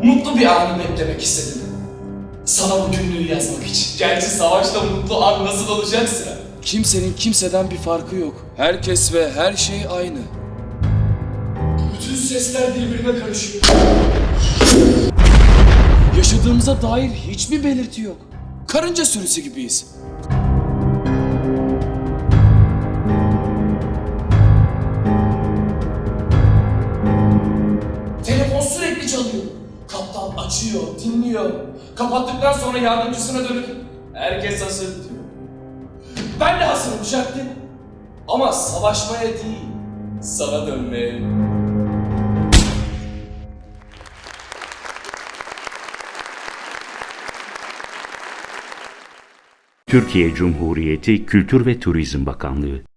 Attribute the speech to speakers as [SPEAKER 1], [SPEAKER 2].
[SPEAKER 1] Mutlu bir anı beklemek istedim. Sana bu günlüğü yazmak için. Gerçi savaşta mutlu an nasıl olacaksa.
[SPEAKER 2] Kimsenin kimseden bir farkı yok. Herkes ve her şey aynı.
[SPEAKER 1] Bütün sesler birbirine karışıyor.
[SPEAKER 2] Yaşadığımıza dair hiçbir belirti yok. Karınca sürüsü gibiyiz.
[SPEAKER 1] Telefon sürekli çalıyor. Kaptan açıyor, dinliyor. Kapattıktan sonra yardımcısına dönüp herkes hazır diyor. Ben de hazırım Jacqueline. Ama savaşmaya değil, sana dönmeye.
[SPEAKER 3] Türkiye Cumhuriyeti Kültür ve Turizm Bakanlığı